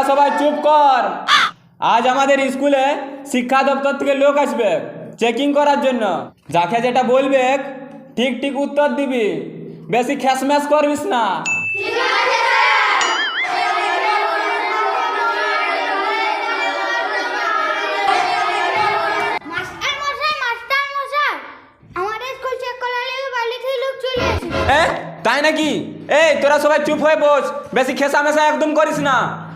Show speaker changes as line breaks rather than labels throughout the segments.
সবাই চুপ কর। আজ আমাদের স্কুলে শিক্ষা দপ্তর থেকে লোক আসবে চেকিং করার জন্য। যাকে যেটা বলবে ঠিক ঠিক উত্তর দিবি, বেশি খ্যাসম্যাস করবিস না। তাই নাকি? এই তোরা সবাই চুপ হয়ে বস, বেশি খেসামেশা একদম করিস না।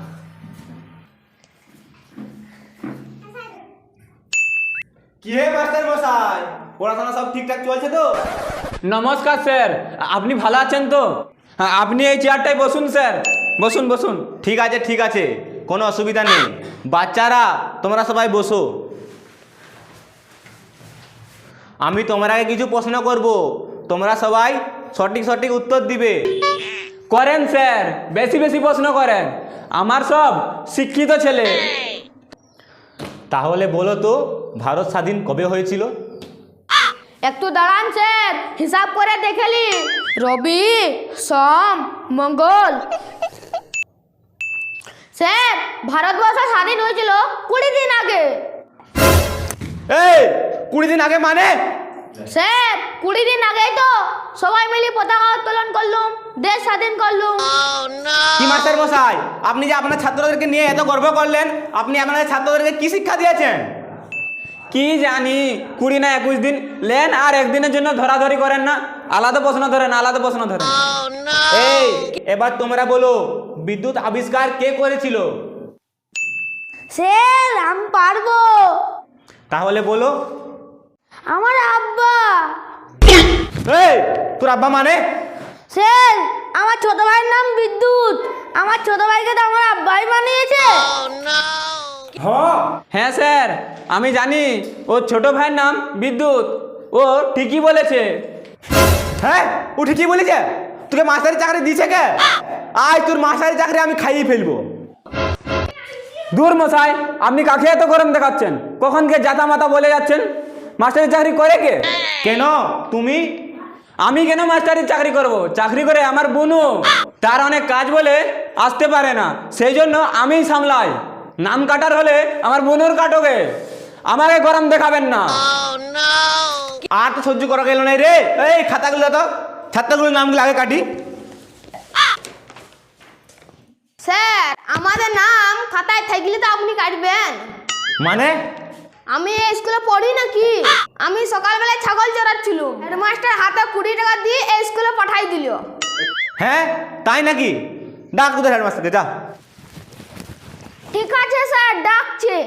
কি হে মাস্টার মশাই, পড়াশোনা সব ঠিকঠাক চলছে তো?
নমস্কার স্যার, আপনি ভালো আছেন তো? হ্যাঁ, আপনি এই চেয়ারটায় বসুন স্যার, বসুন বসুন।
ঠিক আছে ঠিক আছে, কোনো অসুবিধা নেই। বাচ্চারা তোমরা সবাই বসো। আমি তোমাকে কিছু প্রশ্ন করব, তোমরা সবাই সঠিক সঠিক উত্তর দিবে।
করেন স্যার, বেশি বেশি প্রশ্ন করেন, আমার সব শিক্ষিত ছেলে।
তাহলে বলো তো, ভারত স্বাধীন কবে হয়েছিল?
একটু দাঁড়ান স্যার, হিসাব করে দেখেলি। রবি, সোম, মঙ্গল। স্যার, ভারতবর্ষ স্বাধীন হয়েছিল 20 দিন আগে।
এই 20 দিন আগে মানে?
স্যার, 20 দিন আগেই তো সবাই মিলে পতাকা উত্তোলন করলুম, দেশ স্বাধীন করলুম।
কি মাস্টার মশাই, আপনি যে আপনার ছাত্রদেরকে নিয়ে এত গর্ব করলেন, আপনি আপনাদের ছাত্রদেরকে কি শিক্ষা দিয়েছেন?
কি জানি, 20 না 21 দিন লেন, আর একদিনের জন্য ধরাধরি করেন না। আলাদা প্রশ্ন ধরেন, আলাদা প্রশ্ন ধরেন।
এই এবার তোমরা বলো, বিদ্যুৎ আবিষ্কার কে করেছিল?
স্যার, আমি পারবো।
তাহলে বলো।
আমার আব্বা।
এই তোর আব্বা মানে?
স্যার, আমার ছোট ভাইয়ের নাম বিদ্যুৎ, আমার ছোট ভাইকে তো আমার আব্বাই বানিয়েছে।
হ্যাঁ স্যার, আমি জানি ওর ছোট ভাইয়ের নাম বিদ্যুৎ, ও ঠিকই বলেছে।
হ্যাঁ, ও ঠিকই বলেছে। তোকে মাস্টারি চাকরি দিয়েছে কে? আজ তোর মাস্টারি চাকরি আমি খাইয়ে ফেলবো।
দূর মশাই, আপনি কাকে এত গরম দেখাচ্ছেন? কখন কে জাতা মাতা বলে যাচ্ছেন? মাস্টারি চাকরি করে কে?
কেন তুমি?
আমি কেন মাস্টারি চাকরি করব? চাকরি করে আমার বোনও, তার অনেক কাজ বলে আসতে পারে না, সেই জন্য আমিই সামলাই। নাম কাটার হলে আমার বোনের কাটোগে, আমাকে গরম দেখাবেন না।
আর তো সহ্য করা গেল নাই রে। এই খাতাগুলো তো, ছাত্রগুলোর নামগুলো আগে কাটি।
স্যার, আমাদের নাম খাতায় থাকলে তো আপনি কাটবেন।
মানে?
আমি এই স্কুলে পড়ি নাকি? আমি সকালবেলায় ছাগল চড়াচ্ছিল, হেডমাস্টার হাতে 20 টাকা দিয়ে এই স্কুলে পাঠাই দিল।
হ্যাঁ তাই নাকি? ডাক তোদের হেডমাস্টারকে, যা।
ঠিক আছে স্যার, ডাকছে।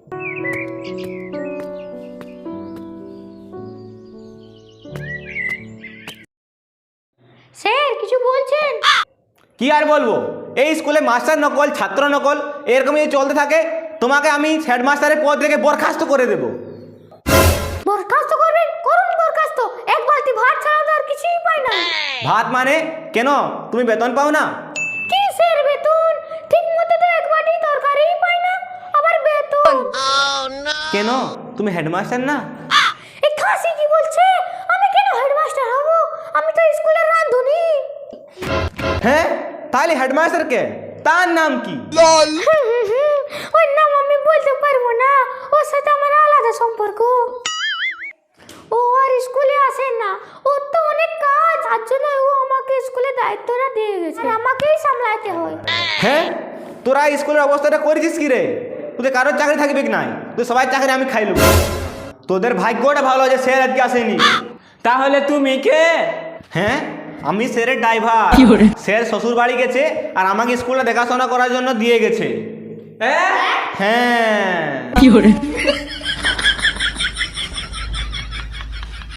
স্যার, কিছু বলছেন?
কি আর বলবো, এই স্কুলে মাস্টার নকল, ছাত্র নকল, এরকম যদি চলতে থাকে তোমাকে আমি হেডমাস্টারের পদ থেকে বরখাস্ত করে দেব।
বরখাস্ত করবেন? করুন বরখাস্ত। এক বালতি ভাত ছাড়া তো আর কিছুই পাই না।
ভাত মানে? কেন তুমি বেতন পাও না?
কি স্যার বেতন? ঠিক মতো তো এক বাটি তরকারিই পাই না, আবার বেতন?
কেন তুমি হেডমাস্টার না?
এই খাসি কি বলছে? আমি কেন হেডমাস্টার হব? আমি তো স্কুলের রাঁধুনি।
হ্যাঁ, তাহলে হেডমাস্টার কে? তার নাম কি?
ওই নাম আমি বলতে পারবো না, ওর সাথে আমার আলাদা সম্পর্ক। ও আর স্কুলে আসে না, ওর তো অনেক কাজ, তার জন্য ও আমাকে স্কুলে দায়িত্বটা দিয়ে গেছে, আর আমাকেই সামলাতে হয়।
হ্যাঁ, তোরা স্কুলের অবস্থাটা করেছিস কি রে? তোদের কারোর চাকরি থাকবে কি নাই? তুই সবাই চাকরি আমি খাই নেবো। তোদের ভাগ্যটা ভালো যে স্যার আজকে আসেনি।
তাহলে তুমি কে?
হ্যাঁ, আমি স্যারের ড্রাইভার। স্যার শ্বশুর বাড়ি গেছে আর আমাকে স্কুলে দেখাশোনা করার জন্য দিয়ে গেছে। হ্যাঁ।